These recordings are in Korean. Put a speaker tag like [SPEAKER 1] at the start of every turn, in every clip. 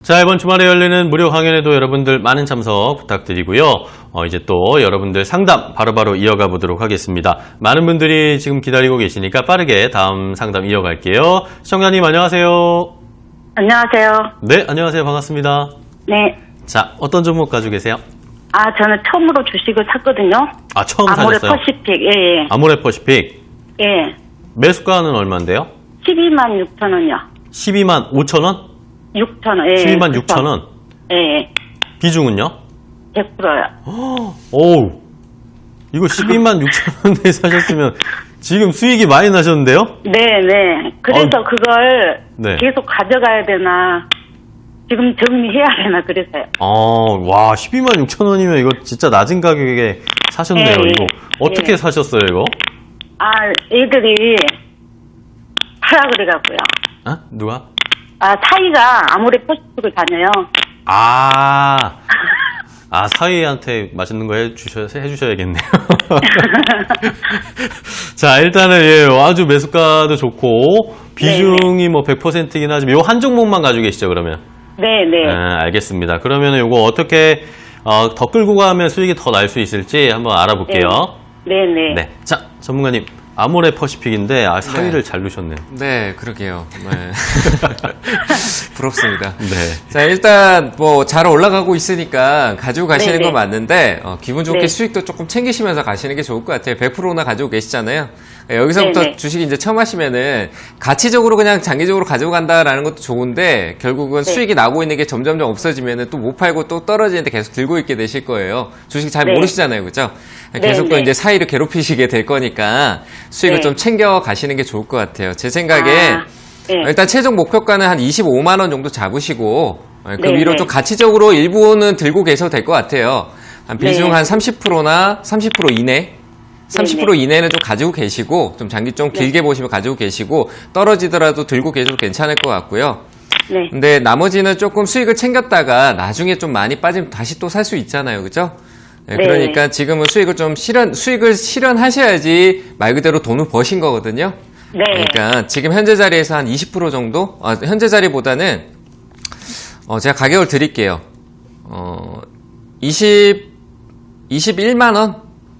[SPEAKER 1] 자, 이번 주말에 열리는 무료 강연에도 여러분들 많은 참석 부탁드리고요. 이제 또 여러분들 상담 바로바로 이어가 보도록 하겠습니다. 많은 분들이 지금 기다리고 계시니까 빠르게 다음 상담 이어갈게요. 시청자님 안녕하세요.
[SPEAKER 2] 안녕하세요.
[SPEAKER 1] 네, 안녕하세요. 반갑습니다.
[SPEAKER 2] 네.
[SPEAKER 1] 자, 어떤 종목 가지고 계세요?
[SPEAKER 2] 저는 처음으로 주식을 샀거든요.
[SPEAKER 1] 아, 처음
[SPEAKER 2] 아모레
[SPEAKER 1] 사셨어요?
[SPEAKER 2] 퍼시픽, 예.
[SPEAKER 1] 아모레 퍼시픽.
[SPEAKER 2] 예.
[SPEAKER 1] 매수가는 얼마인데요?
[SPEAKER 2] 12만 6천 원이요.
[SPEAKER 1] 12만 5천 원?
[SPEAKER 2] 6천 원, 예.
[SPEAKER 1] 12만 6천 원?
[SPEAKER 2] 예.
[SPEAKER 1] 비중은요?
[SPEAKER 2] 100%요.
[SPEAKER 1] 오우, 이거 12만 6천 원에 사셨으면 지금 수익이 많이 나셨는데요?
[SPEAKER 2] 네. 그래서 그걸
[SPEAKER 1] 네.
[SPEAKER 2] 계속 가져가야 되나, 지금 정리해야 되나, 그래서요.
[SPEAKER 1] 와, 12만 6천 원이면 이거 진짜 낮은 가격에 사셨네요,
[SPEAKER 2] 예,
[SPEAKER 1] 이거. 어떻게
[SPEAKER 2] 예.
[SPEAKER 1] 사셨어요, 이거?
[SPEAKER 2] 애들이 하라 그래가고요.
[SPEAKER 1] 누가?
[SPEAKER 2] 사이가 아모레 퍼시픽을 다녀요.
[SPEAKER 1] 사위한테 맛있는 거 해주셔야겠네요. 자, 일단은, 아주 매수가도 좋고, 비중이 뭐 100%이긴 하지만, 요 한 종목만 가지고 계시죠, 그러면?
[SPEAKER 2] 네.
[SPEAKER 1] 알겠습니다. 그러면 요거 어떻게, 더 끌고 가면 수익이 더 날 수 있을지 한번 알아볼게요.
[SPEAKER 2] 네.
[SPEAKER 1] 자, 전문가님. 아모레 퍼시픽인데, 사위를 잘 두셨네요.
[SPEAKER 3] 네, 그러게요. 네. 부럽습니다.
[SPEAKER 1] 네.
[SPEAKER 3] 자, 일단 뭐 잘 올라가고 있으니까 가지고 가시는
[SPEAKER 2] 네네.
[SPEAKER 3] 건 맞는데 기분 좋게
[SPEAKER 2] 네.
[SPEAKER 3] 수익도 조금 챙기시면서 가시는 게 좋을 것 같아요. 100%나 가지고 계시잖아요. 여기서부터
[SPEAKER 2] 네네.
[SPEAKER 3] 주식 이제 처음 하시면은 가치적으로 그냥 장기적으로 가지고 간다라는 것도 좋은데 결국은
[SPEAKER 2] 네.
[SPEAKER 3] 수익이 나고 있는 게 점점점 없어지면은 또 못 팔고 또 떨어지는데 계속 들고 있게 되실 거예요. 주식 잘
[SPEAKER 2] 네.
[SPEAKER 3] 모르시잖아요. 그죠? 계속 또
[SPEAKER 2] 네.
[SPEAKER 3] 이제 사이를 괴롭히시게 될 거니까 수익을
[SPEAKER 2] 네.
[SPEAKER 3] 좀 챙겨 가시는 게 좋을 것 같아요. 제 생각에
[SPEAKER 2] 네.
[SPEAKER 3] 일단 최종 목표가는 한 25만 원 정도 잡으시고 그
[SPEAKER 2] 네,
[SPEAKER 3] 위로
[SPEAKER 2] 네.
[SPEAKER 3] 좀 가치적으로 일부는 들고 계셔도 될 것 같아요. 한 비중
[SPEAKER 2] 네.
[SPEAKER 3] 한 30%나 30% 이내 30% 이내는 좀 가지고 계시고 좀 장기 좀 길게 보시면 가지고 계시고 떨어지더라도 들고 계셔도 괜찮을 것 같고요.
[SPEAKER 2] 네.
[SPEAKER 3] 근데 나머지는 조금 수익을 챙겼다가 나중에 좀 많이 빠지면 다시 또 살 수 있잖아요. 그죠? 네,
[SPEAKER 2] 네.
[SPEAKER 3] 그러니까 지금은 수익을 실현하셔야지 말 그대로 돈을 버신 거거든요.
[SPEAKER 2] 네.
[SPEAKER 3] 그러니까 지금 현재 자리에서 한 20% 정도? 현재 자리보다는 제가 가격을 드릴게요. 21만 원?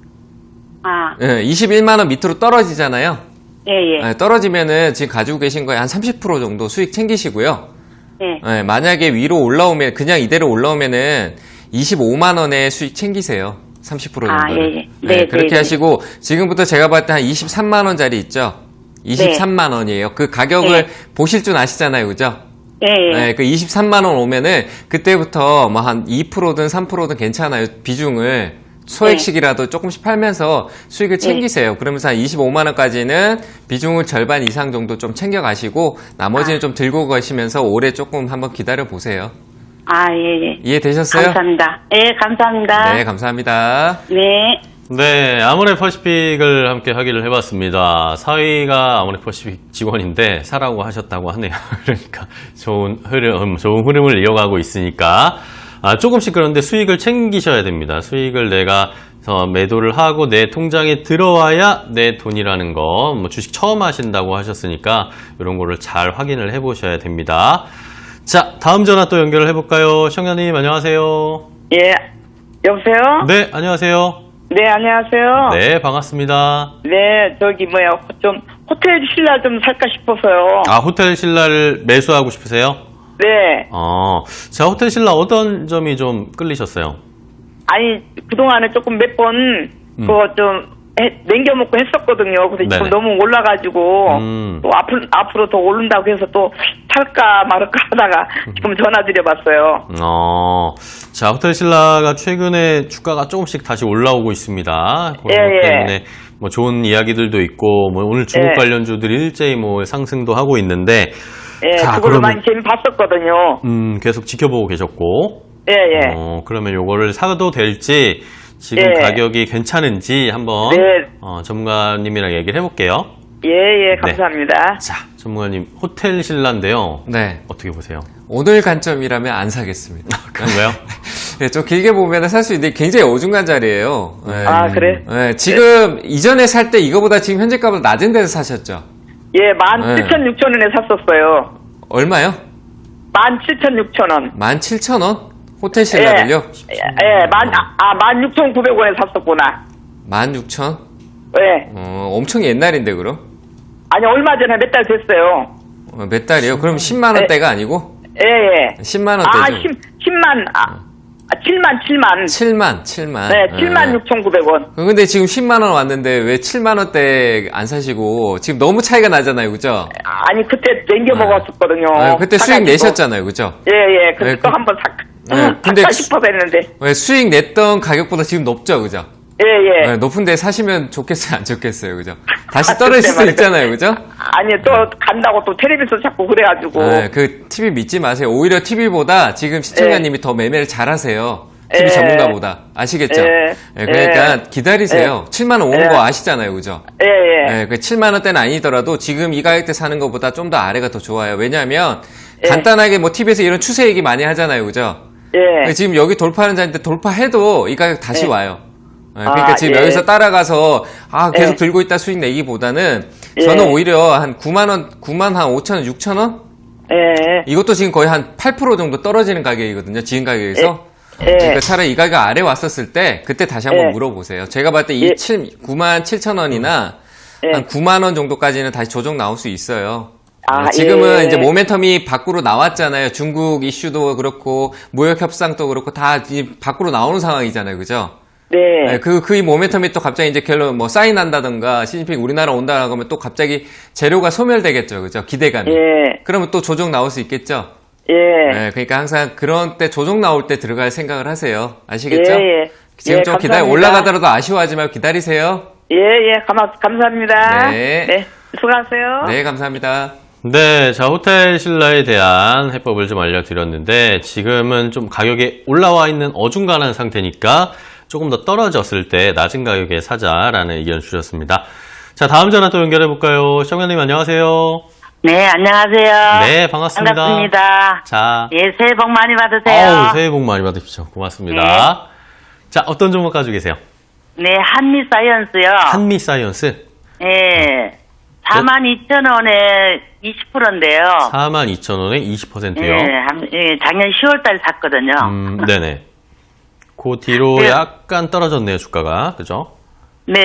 [SPEAKER 3] 21만 원 밑으로 떨어지잖아요.
[SPEAKER 2] 예.
[SPEAKER 3] 떨어지면은 지금 가지고 계신 거에 한 30% 정도 수익 챙기시고요.
[SPEAKER 2] 예.
[SPEAKER 3] 만약에 위로 올라오면 그냥 이대로 올라오면은 25만 원의 수익 챙기세요. 30% 정도를.
[SPEAKER 2] 예. 네,
[SPEAKER 3] 그렇게
[SPEAKER 2] 네.
[SPEAKER 3] 하시고 지금부터 제가 봤을 때 한 23만 원짜리 있죠. 23만 원이에요. 그 가격을
[SPEAKER 2] 네.
[SPEAKER 3] 보실 줄 아시잖아요. 그죠?
[SPEAKER 2] 예.
[SPEAKER 3] 그 23만 원 오면은 그때부터 뭐 한 2%든 3%든 괜찮아요. 비중을 소액씩이라도 조금씩 팔면서 수익을 챙기세요. 그러면서 한 25만 원까지는 비중을 절반 이상 정도 좀 챙겨 가시고 나머지는 좀 들고 가시면서 올해 조금 한번 기다려 보세요.
[SPEAKER 2] 예.
[SPEAKER 3] 이해되셨어요?
[SPEAKER 2] 감사합니다. 예, 감사합니다.
[SPEAKER 3] 네, 감사합니다.
[SPEAKER 2] 네.
[SPEAKER 1] 네, 아모레 퍼시픽을 함께 하기를 해봤습니다. 사위가 아모레 퍼시픽 직원인데 사라고 하셨다고 하네요. 그러니까 좋은 흐름을 이어가고 있으니까 조금씩 그런데 수익을 챙기셔야 됩니다. 수익을 내가 매도를 하고 내 통장에 들어와야 내 돈이라는 거, 주식 처음 하신다고 하셨으니까 이런 거를 잘 확인을 해보셔야 됩니다. 자, 다음 전화 또 연결을 해볼까요? 시청자님 안녕하세요.
[SPEAKER 4] 예, 여보세요?
[SPEAKER 1] 네, 안녕하세요.
[SPEAKER 4] 네, 안녕하세요.
[SPEAKER 1] 네, 반갑습니다.
[SPEAKER 4] 네, 좀 호텔 신라 좀 살까 싶어서요.
[SPEAKER 1] 호텔 신라를 매수하고 싶으세요?
[SPEAKER 4] 네.
[SPEAKER 1] 자, 호텔 신라 어떤 점이 좀 끌리셨어요?
[SPEAKER 4] 아니, 그동안에 조금 몇 번 그거 좀 남겨먹고 했었거든요. 근데
[SPEAKER 1] 네네.
[SPEAKER 4] 지금 너무 올라가지고 또 앞으로 더 오른다고 해서 또 살까 말까 하다가 지금 전화드려봤어요.
[SPEAKER 1] 자, 호텔 신라가 최근에 주가가 조금씩 다시 올라오고 있습니다. 그런 것
[SPEAKER 4] 예.
[SPEAKER 1] 때문에 뭐 좋은 이야기들도 있고, 뭐 오늘 중국
[SPEAKER 4] 예.
[SPEAKER 1] 관련주들이 일제히 뭐 상승도 하고 있는데,
[SPEAKER 4] 예,
[SPEAKER 1] 자,
[SPEAKER 4] 그걸로
[SPEAKER 1] 그러면-
[SPEAKER 4] 많이 재미 봤었거든요.
[SPEAKER 1] 계속 지켜보고 계셨고,
[SPEAKER 4] 예.
[SPEAKER 1] 그러면 요거를 사도 될지, 지금
[SPEAKER 4] 예.
[SPEAKER 1] 가격이 괜찮은지 한번
[SPEAKER 4] 네.
[SPEAKER 1] 전문가님이랑 얘기를 해볼게요.
[SPEAKER 4] 예, 감사합니다.
[SPEAKER 1] 자, 전문가님, 호텔 신라인데요.
[SPEAKER 3] 네.
[SPEAKER 1] 어떻게 보세요?
[SPEAKER 3] 오늘 관점이라면 안 사겠습니다.
[SPEAKER 1] 그런가요?
[SPEAKER 3] 네, 좀 길게 보면 살 수 있는데 굉장히 어중간 자리예요. 네.
[SPEAKER 4] 아, 그래?
[SPEAKER 3] 네, 지금 이전에 살 때 이거보다 지금 현재 값보다 낮은 데서 사셨죠?
[SPEAKER 4] 예, 17,000, 6,000원에 샀었어요.
[SPEAKER 3] 얼마요?
[SPEAKER 4] 17,600원.
[SPEAKER 3] 17,000원? 호텔 신라를요?
[SPEAKER 4] 예, 16,900원에 샀었구나.
[SPEAKER 3] 16,000?
[SPEAKER 4] 예.
[SPEAKER 3] 엄청 옛날인데, 그럼?
[SPEAKER 4] 아니, 얼마 전에 몇 달 됐어요.
[SPEAKER 3] 몇 달이요? 그럼 10만원대가 아니고?
[SPEAKER 4] 예.
[SPEAKER 3] 10만원대죠.
[SPEAKER 4] 7만. 네, 76,900원.
[SPEAKER 3] 근데 지금 10만원 왔는데 왜 7만원대 안 사시고, 지금 너무 차이가 나잖아요, 그죠?
[SPEAKER 4] 아니, 그때 땡겨 먹었었거든요.
[SPEAKER 3] 그때 수익 내셨잖아요, 그죠?
[SPEAKER 4] 예. 그때
[SPEAKER 3] 네,
[SPEAKER 4] 또 한번
[SPEAKER 3] 근데
[SPEAKER 4] 살까 싶어서 했는데.
[SPEAKER 3] 왜 수익 냈던 가격보다 지금 높죠, 그죠?
[SPEAKER 4] 예.
[SPEAKER 3] 높은데 사시면 좋겠어요, 안 좋겠어요, 그죠? 다시 떨어질 수도 있잖아요, 그죠?
[SPEAKER 4] 아니, 또 간다고 또 텔레비전 자꾸 그래가지고.
[SPEAKER 3] 그 TV 믿지 마세요. 오히려 TV보다 지금 시청자님이 더 매매를 잘하세요. TV 전문가보다. 아시겠죠? 그러니까 기다리세요. 7만원 오는 거 아시잖아요, 그죠? 그 7만원대는 아니더라도 지금 이 가격대 사는 것보다 좀 더 아래가 더 좋아요. 왜냐하면 간단하게 뭐 TV에서 이런 추세 얘기 많이 하잖아요, 그죠? 지금 여기 돌파하는 자리인데 돌파해도 이 가격 다시 와요. 그러니까 지금 여기서 따라가서 계속 들고 있다 수익 내기보다는 저는 오히려 한 9만 5천 원, 6천 원? 이것도 지금 거의 한 8% 정도 떨어지는 가격이거든요. 지금 가격에서. 그러니까 차라리 이 가격 아래 왔었을 때 그때 다시 한번 물어보세요. 제가 봤을 때 9만 7천 원이나 한 9만 원 정도까지는 다시 조정 나올 수 있어요. 지금은 이제 모멘텀이 밖으로 나왔잖아요. 중국 이슈도 그렇고 무역 협상도 그렇고 다 밖으로 나오는 상황이잖아요. 그죠? 이 모멘텀이 또 갑자기 이제 결론 뭐 사인한다던가 시진핑 우리나라 온다라고 하면 또 갑자기 재료가 소멸되겠죠. 그죠? 기대감이. 그러면 또 조정 나올 수 있겠죠? 그러니까 항상 그런 때 조정 나올 때 들어갈 생각을 하세요. 아시겠죠? 지금 좀 올라가더라도 아쉬워하지 말고 기다리세요.
[SPEAKER 4] 감사합니다.
[SPEAKER 3] 네.
[SPEAKER 4] 수고하세요.
[SPEAKER 3] 네, 감사합니다.
[SPEAKER 1] 네, 자, 호텔 신라에 대한 해법을 좀 알려드렸는데, 지금은 좀 가격이 올라와 있는 어중간한 상태니까 조금 더 떨어졌을 때 낮은 가격에 사자라는 의견을 주셨습니다. 자, 다음 전화 또 연결해볼까요? 시청자님 안녕하세요.
[SPEAKER 2] 네, 안녕하세요.
[SPEAKER 1] 네, 반갑습니다.
[SPEAKER 2] 반갑습니다.
[SPEAKER 1] 자.
[SPEAKER 2] 예, 새해 복 많이 받으세요.
[SPEAKER 1] 새해 복 많이 받으십시오. 고맙습니다. 자, 어떤 종목 가지고 계세요?
[SPEAKER 2] 네, 한미사이언스요.
[SPEAKER 1] 한미사이언스?
[SPEAKER 2] 예. 42,000원에 20%인데요.
[SPEAKER 1] 42,000원에 20%요?
[SPEAKER 2] 작년 10월달 샀거든요.
[SPEAKER 1] 네네. 그 뒤로 약간 떨어졌네요, 주가가. 그죠?
[SPEAKER 2] 네.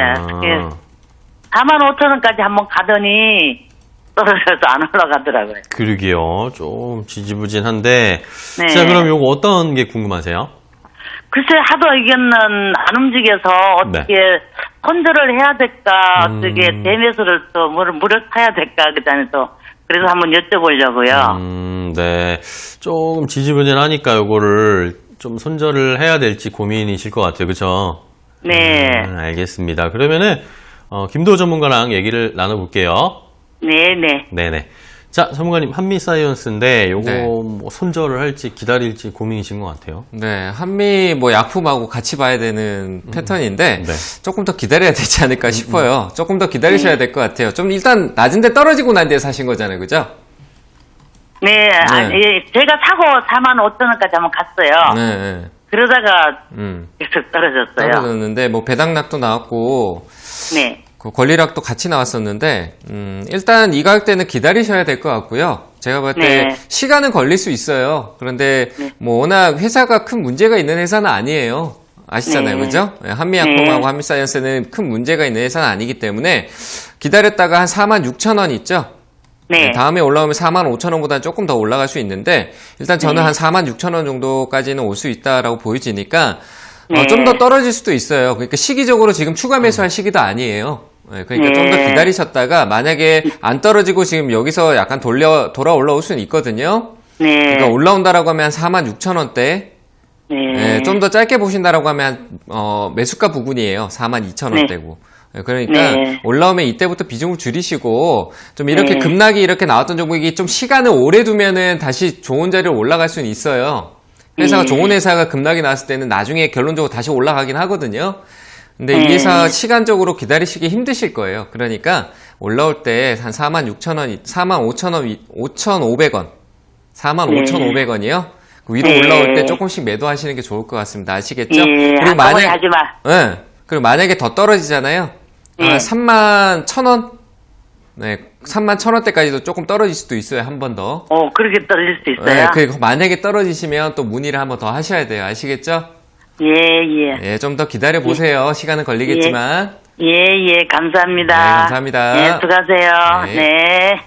[SPEAKER 2] 45,000원까지 한번 가더니 떨어져서 안 올라가더라고요.
[SPEAKER 1] 그러게요. 좀 지지부진한데.
[SPEAKER 2] 네.
[SPEAKER 1] 자, 그럼 요거 어떤 게 궁금하세요?
[SPEAKER 2] 글쎄, 하도 의견은 안 움직여서 어떻게 컨트롤 해야 될까, 어떻게 대매수를 또 무력 타야 될까, 그다음에 또 그래서 한번 여쭤보려고요.
[SPEAKER 1] 네. 조금 지지부진하니까 요거를 좀 손절을 해야 될지 고민이실 것 같아요. 그죠?
[SPEAKER 2] 네.
[SPEAKER 1] 알겠습니다. 그러면은, 김도호 전문가랑 얘기를 나눠볼게요.
[SPEAKER 2] 네네.
[SPEAKER 1] 네네. 자, 전문가님, 한미사이언스인데, 요거 뭐 손절을 할지 기다릴지 고민이신 것 같아요.
[SPEAKER 3] 네, 한미 뭐 약품하고 같이 봐야 되는 패턴인데, 조금 더 기다려야 되지 않을까 싶어요. 조금 더 기다리셔야 될 것 같아요. 좀 일단 낮은데 떨어지고 난 뒤에 사신 거잖아요. 그죠?
[SPEAKER 2] 네, 제가 사고 45,000원까지 한번 갔어요. 그러다가 계속 떨어졌어요.
[SPEAKER 3] 떨어졌는데, 뭐 배당락도 나왔고, 그 권리락도 같이 나왔었는데, 일단 이 가격대는 기다리셔야 될 것 같고요. 제가 볼 때 시간은 걸릴 수 있어요. 그런데 뭐 워낙 회사가 큰 문제가 있는 회사는 아니에요. 아시잖아요. 그죠? 한미약품하고 한미사이언스는 큰 문제가 있는 회사는 아니기 때문에 기다렸다가 한 46,000원 있죠? 다음에 올라오면 45,000원보다는 조금 더 올라갈 수 있는데, 일단 저는 한 46,000원 정도까지는 올 수 있다라고 보여지니까, 좀 더 떨어질 수도 있어요. 그러니까 시기적으로 지금 추가 매수할 시기도 아니에요. 그러니까 좀 더 기다리셨다가 만약에 안 떨어지고 지금 여기서 약간 돌아 올라올 수는 있거든요. 그러니까 올라온다라고 하면 한 46,000원대. 좀 더 짧게 보신다라고 하면 매수가 부근이에요. 42,000원대고. 그러니까 올라오면 이때부터 비중을 줄이시고 좀 이렇게 급락이 이렇게 나왔던 종목이 좀 시간을 오래 두면은 다시 좋은 자리로 올라갈 수는 있어요. 회사가 좋은 회사가 급락이 나왔을 때는 나중에 결론적으로 다시 올라가긴 하거든요. 근데 이 회사 시간적으로 기다리시기 힘드실 거예요. 그러니까 올라올 때 한 46,000원, 45,500원, 45,500원이요. 위로 올라올 때 조금씩 매도하시는 게 좋을 것 같습니다. 아시겠죠? 그리고 그리고 만약에 더 떨어지잖아요. 31,000원? 31,000원대까지도 조금 떨어질 수도 있어요. 한 번 더.
[SPEAKER 2] 그렇게 떨어질 수 있어요?
[SPEAKER 3] 네, 그 만약에 떨어지시면 또 문의를 한번 더 하셔야 돼요. 아시겠죠?
[SPEAKER 2] 예.
[SPEAKER 3] 예, 좀 더 기다려 보세요. 시간은 걸리겠지만.
[SPEAKER 2] 예, 감사합니다.
[SPEAKER 3] 네, 감사합니다.
[SPEAKER 2] 예, 수고하세요.
[SPEAKER 3] 네.
[SPEAKER 2] 네.